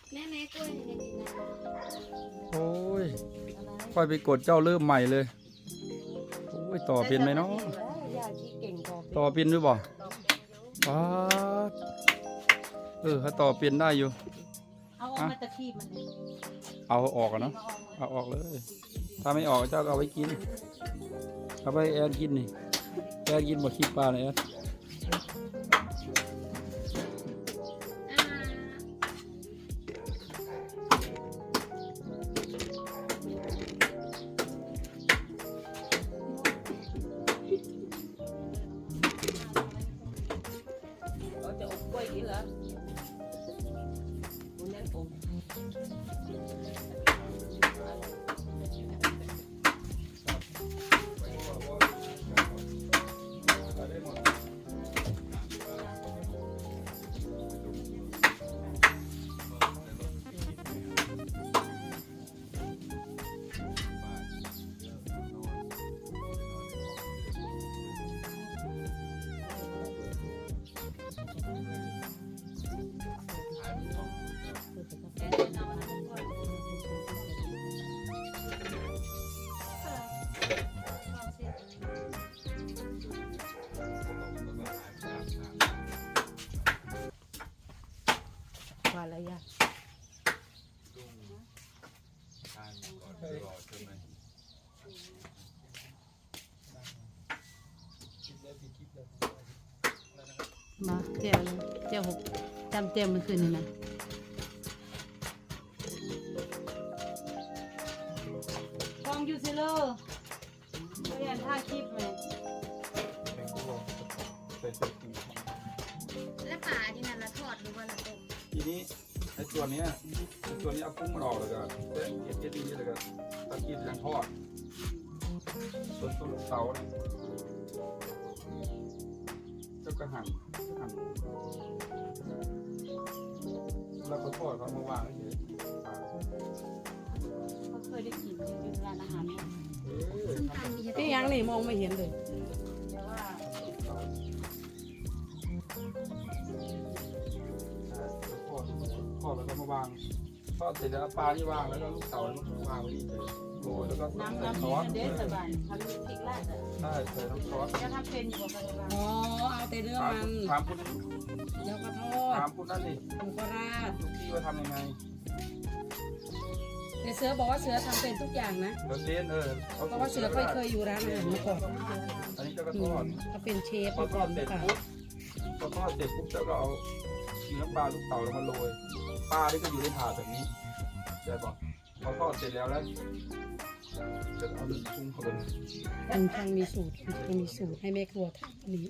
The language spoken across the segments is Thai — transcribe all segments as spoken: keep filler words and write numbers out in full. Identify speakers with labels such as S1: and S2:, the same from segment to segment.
S1: แม่แม่กล้วยเนี่ยกินนะ
S2: โอ้ยค่อยไปกดเจ้าเริ่มใหม่เลยโอ้ยต่อเป็นไหมเนาะต่อเป็นด้วยบ่ป๊าดเออเขาต่อเป็นได้อยู่
S3: เอาออกมาตะคีบมัน
S2: เอาออกอะเนาะเอาออกเลยถ้าไม่ออกเจ้าก็เอาไว้กินเอาไปแอนกินนี่แอนกินหมดขี้ปลาเลยแอน
S3: ว่าอะไรอ่ะมาเจ้าเลยเจ้าหกจำเจ้ามันคืนนี่นะกองยูซิโร่เรียนท่าคลิปไหม
S1: แล้วปลาที่นั่นละทอดหรือว่าละต้ม
S2: ทีนี้ไอ้ตัวนี้ไอ้ตัวนี้เอากุ้งมันออกเลยก็เส้นเอ็ดเอ็ดนี้เลยก็ตะกี้ยังทอดส่วนต้นเสาเนี่ยเจ้ากระหันหั่นแล้วก็ทอดเขามาวางเฉย
S3: เขาเคยได้กินอยู่ร้านอาหารเนี่ย
S1: ซึ่งทำดี
S3: ที่ยังนี่มองไม่เห็นเลยแต่ว่า
S2: ทอดทอดแล้วก็มาวางทอดเสร็จแล้วปลาที่วางแล้วก็ลูกเต๋าแล้วก็วางไว้นี่เลยโรยแล้วก็
S3: น้ำ
S2: ใส่
S3: น้ำ
S2: ซอส
S3: เด็ดสบายทำพริกราดอ่ะ
S2: ใช่ใส่น้ำซอส
S3: จะทำเป็นอยู่กับอะไรบ้าง
S4: อ๋อเอาแต่เนื้อ
S2: ถาม
S4: มัน
S2: ถามคุณ
S4: แล้วก็ทอด
S2: ถามคุณนั่นดิ
S4: หมูกระราด
S2: ทุกที่ว่าทำยังไง
S4: แต่เสือบอกว่าเสือทำเป็นทุกอย่างนะ
S2: เดี๋ยวเซนเออ
S4: เพราะว่าเสือเคยเคยอยู่ร้านอาหารมาก่อน
S2: อันนี้เจ้าก็
S4: อื
S2: ทอ
S4: ม
S2: ด
S4: เขาเป็นเชฟ
S2: พอ
S4: มา
S2: ท
S4: ก่
S2: อ
S4: อ
S2: ด
S4: น
S2: เสร็จ
S4: ค่ะ
S2: ปุ๊บพอทอดเสร็จปุ๊บเจ้าก็เอาชีน้ำปลาลูกเต๋าลงมาโรยปลาที่ก็อยู่ในถาดแบบนี้ใช่ปะพอทอดเสร็จแล้วแล้วจะเอาหนึ่งปรุงเข้าไป
S4: มันช่างมีสูตรมันมีสูตรให้แม่ครัวทำอันนี้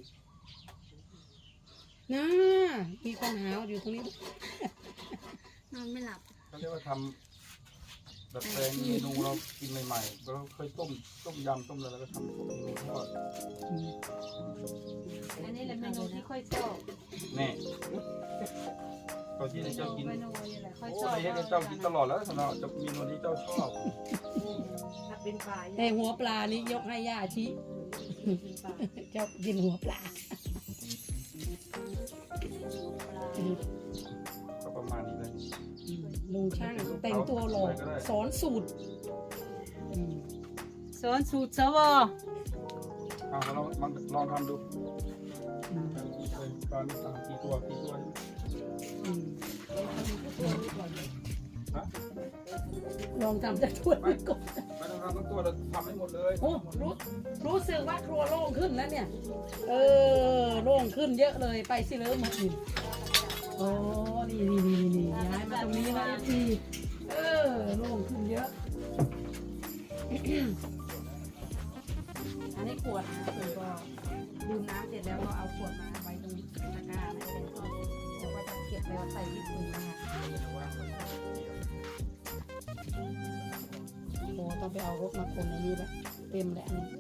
S4: น่ามีคนหาอยู่ตรงนี้
S1: นอนไม่หลับ
S2: เขาเรียกว่าทำแบบแปลงเมนูเรากินใหม่ๆเราเคยต้มต้มยำต้มอะไรแล้วก็ทำพวกเมนูทอด
S4: อืม
S3: อันนี้แหละเมนูที่ค่อยชอบ
S2: แน่ตอนที่เจ้ากิน
S3: เมนูนี่แหละค่อย
S2: โอ้
S3: ชอบ
S2: ยให้เจ้ากินตลอดแล้วสำหรับจะเมนูนี้เจ้าชอบ
S3: ถ้าเป็นปลา
S4: แต่หัวปลานี่ยกให้ย่าชิเจ้ากินหัวปลา
S2: ก็ประมาณนี้เลย
S4: ลุงช่างแต่งตัวหล่อสอนสูตรอืม
S3: สอนสูตรสว
S2: เอาลองลองลองทำดู
S4: อืม
S2: ตอนสั่งกี่ตัวกี่ตัว
S4: อืม
S2: ฮะ
S4: ลองทำจะช่วยก่อน
S2: ไม่ต้องทำทั้งตัวเราทำให้หมดเลย
S4: โอ้รู้รู้สึกว่าครัวโล่งขึ้นแล้วเนี่ย เออโล่งขึ้นเยอะเลยไปสิเลิศมาอีกโอ้นี่นี่นี่นี่ย้ายมาตรงนี้นะทีเออโล่งขึ้นเยอะ อันนี้ขวดนะคุณก็ดื่มน้ำเสร็จแล้วก็เอาขวดมาไว้ตรงตะกร้านะแล้วก็เดี๋ยวก็จะเก็บแล้วใส่ที่ถุงนะคะโอ้ต้องไปเอารถมาคนในนี้แบบเต็มเลยอันนี้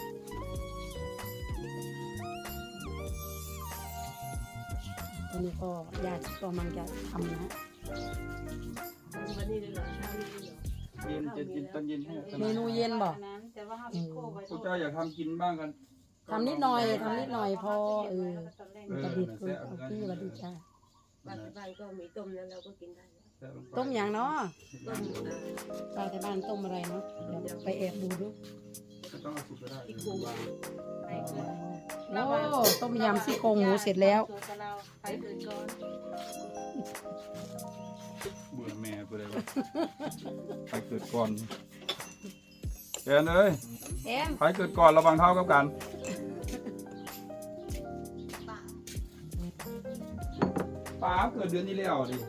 S4: ตอนนี้ก็ญาติก็มันจะทำนะ
S3: วันนี้เลยเหรอเช้านี้เลยเหรอ
S2: เย็นเย็นเย็นตอนเย็นให้
S4: เมนูเย็นบอก
S3: แต่ว่าห้าสิบโคไว้
S2: คุณเจ้าอยากทำกินบ้างกัน
S4: ทำนิดหน่อยทำนิดหน่อยพอเออ
S2: เออ
S4: กระดิบคือเอาที่กระดิบจ้า
S5: บางบ้านก็มีต้มแล้วเราก็กินได้แล้ว
S2: แตะลงไป
S4: ต้มอย่างเนาะ
S2: ต้ม
S4: ตาแต่บ้านต้มอะไรเนาะเดี๋ยวไปแอบดูดู
S2: ไม่ต้องเอาสุกก็ได้
S3: ที่กูวางไปก่อน
S4: โอ้ต้มยำซี่โครงหมูเสร็จแล้ว
S3: ตัวกับเราไปเกินก่อน
S2: เบื่อแม่ไปเลยวะไปเกิดก่อนแกนเอ้ย
S4: เอ็ม
S2: ไปเกิดก่อนระวังเท้ากับกัน
S1: ป่า
S2: ป้าเกิดเดือนที่แล้วดิ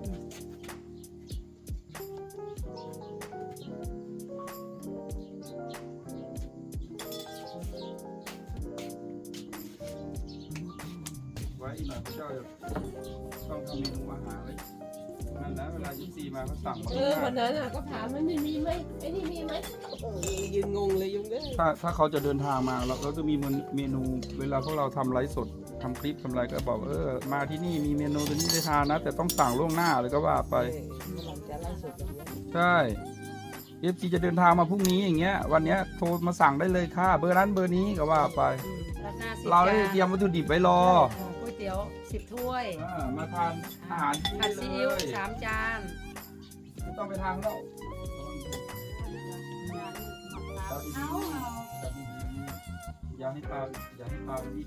S2: ไว้อีกหน่อยพระเจ้าจะต้องทำเมนูอาหารไว้นั่นนะเวลายี่สี่มาเขาสั่งมา
S5: เออวันนั้นอ่ะก็ถามมันไม่มีไหมไอ้นี่มีไหมเออยืนงงเลยยุงเด้อ
S2: ถ้าถ้าเขาจะเดินทางมาเราเราจะมีเมนูเวลาพวกเราทำไลฟ์สดทำคลิปทำอะไรก็บอกเออมาที่นี่มีเมนูตัวนี้ได้ทานนะ แต่ต้องสั่งล่วงหน้าเลยก็ว่าไป
S5: เออกำลังจะไล่สดอย่างเงี้ย
S2: ใช่เอฟซีจะเดินทางมาพรุ่งนี้อย่างเงี้ย วันเนี้ยโทรมาสั่งได้เลยค่ะ เบอร์นั้นเบอร์นี้ก็ว่าไป
S4: ราคาสิบ
S2: เราได้เตรียมวัตถุดิบไว้รอ
S4: ก๋วยเตี๋ยวสิบถ้วย
S2: อ่ามาทานอาหารที่
S4: ผัด
S2: นี่
S4: ซี
S2: เล
S4: อิ๊วย สามจาน
S2: ไม่ต้องไปทางแล้วจับดี
S3: เอาเอา
S2: ๆจับดีๆอย่าให้ปลาอย่าให้ปลามันดิ้น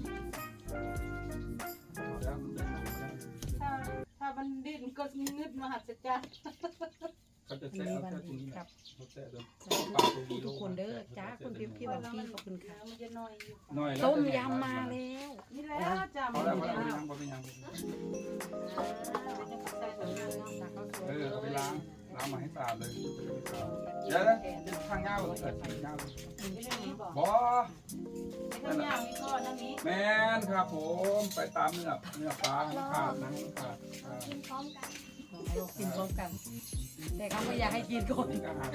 S2: เอาแล้วมันได้หนังแล้ว
S3: ถ้าถ้ามันดิ้นก็งึดมหัศจรรย์
S2: เขาจะ
S4: มี
S2: แซ่เอา
S4: วัน
S2: แค่ตรง
S4: ดี
S2: นี้
S4: ครั
S2: นะ
S4: บ
S2: เขาแซ่เดิม
S4: ทุกคนเด้อจ้าคุณพี่พี่บอกพี่ขอบคุณค่ะ
S3: มันจะน้อยอยู่
S2: น้อยแล้ว
S4: ต้มยำมาแล้ว
S3: นี่แล้วจ้า
S2: พอแล้วพอแล้วเอาไปล้างเอาไปล้างเออเอาไปล้างล้างมาให้สะอาดเลยเดี๋ยวนะข้างเงาเลยข้างเงาเลยบอ
S3: ข้างหน้ามีก้อนนั่นนี้
S2: แมนครับผมไปตามเนื้อเนื้อปลาให้ขาดนะให้ขาดอ่า
S1: กินพร้อมกัน
S4: เรากินพร้อมกัน แต่เขาไม่อยากให้กินก่อน
S2: นี่ก็หา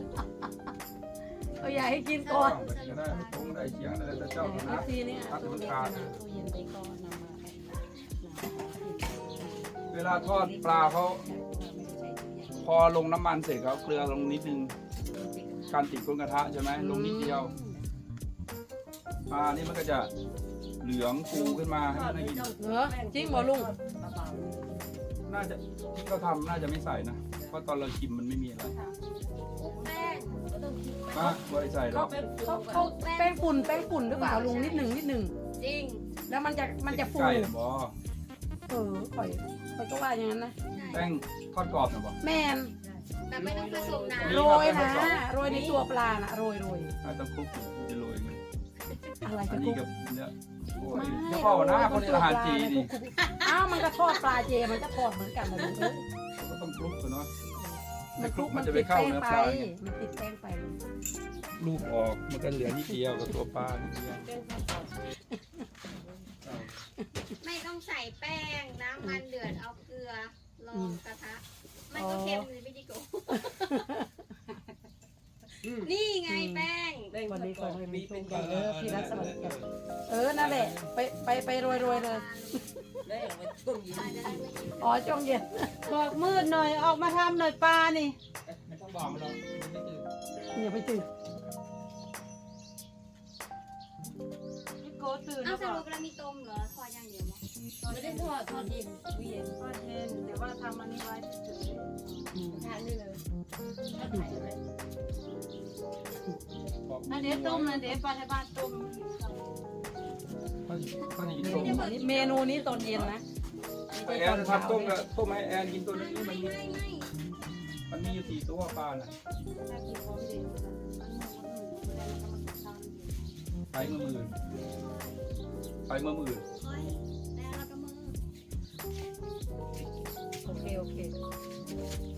S4: เขาอยากให้กินก่อน
S2: ไปก็ได้ตรงได้เฉียงได้แต่เจ้า
S4: เอ
S2: นะ
S4: ฟซีเนี่ยตู้เล็กนะตู้เย็นไปก็นำมาให้
S2: เวลาทอดปลาเขาพอลงน้ำมันเสร็จเขาเกลือลงนิดนึงการติดก้นกระทะใช่ไหมลงนิดเดียวปลานี่มันก็จะเหลืองฟูขึ้นมาให้มันได้กิน
S4: เหรอจริงบ่ลุง
S2: น่าจะที่เขาทำน่าจะไม่ใส่นะเพราะตอนเราชิมมันไม่มีอะไร
S1: แป้งก็ต้องคิดไป
S2: มาบริใส่หร
S4: เขา
S2: อก
S4: เขาเขาแป้งฝุ่นแป้งฝุ่นหรือเปล่าลุงนิดหนึ่งนิดหนึ่ง
S1: จริง
S4: แล้วมันจะมันจะฟู
S2: ไก่บอ
S4: เออข่อยข่อยก็ว่าอย่างนั้นนะ
S2: แป้งทอดกรอบนะบอ
S4: แมน
S1: แต่ไม่ต้องผสมน้
S4: โรยนะโรยในตัวปลานะโรยโรย
S2: อาจจะคลุกจะโรยไง
S4: อะไร
S2: อั
S4: จะ
S2: น
S4: คุ
S2: นี้
S4: ก
S2: กับเนี่ยโอ้ย
S4: ไม่
S2: เฉพาะหน้าคนในอาหารจีนนี่
S4: อ้าวมันก็ทอดปลาเจมันก็ทอดเหมือนกันนะลุงเอ้ย
S2: ก็ต้องคลุกกันเนาะ
S4: มันคลุก
S2: มั
S4: มัน น
S2: จะไป
S4: ติด
S2: เข้า
S4: แป้ง
S2: เนื้อ
S4: ไป
S2: ปลาไง
S4: มันติดแป้งไปลุง
S2: ลูกออกมันก็เหลือนิดเดียวกับตัวปลานิดเดียว
S1: ำไม่ต้องใส่แป้ง น้ำมันเดือดเอาเกลือลงกระทะ มันก็เค็มเลยไม่ดีกว่านี่ไงแป้ง
S4: วันนี้ก็เลยมีเป็นกันเออพี่รักสวัสดีครับเออนั่นแหละไปไปไปโรยโรยเลย
S5: ได้เอาไปต้มยิง
S4: อ๋อช่วงเย็น
S3: บอกมืดหน่อยออกมาทำหน่อยปลานี่
S2: ไม่ต้องบอกมันหรอกมันไม่จืด
S4: อย่าไปจืด
S3: พี่โกตื่น
S1: เอา
S3: แล้ว
S1: ส
S3: ก็
S1: รุปแล้วมีต้มเหรอทอดอย่างเดียวมั้ง
S5: ไม่ได้ทอดทอดเย็นเย็น
S3: ทอดเย็นแต่ว่าทำอันนี้ไว้เฉย
S5: ทานได้เลยทอดไข่เลย
S2: บอก
S3: ๆอันเดี๋ยวต้มนะเดี๋ยวปลาในบ้านต้ม
S2: เขาเขาจะกินต้ม
S4: เมนูนี้ตอนเย็นนะ
S2: แอนทำต้มกับต้มให้แอนกินตัวนี้
S1: ไม่
S2: มันมี
S1: ไม่ไม่
S2: มันมีอยู่สี่ตัวปลาน่ะ
S3: ถ้ากินพร้อมเดียวมันหมูมันหมูแล้วมันก็มาทำ
S2: ไปเมื่อมื่นไปเมื่อมื่น
S1: ค่อยแล้วเราก็มือ
S4: โอเคโอเค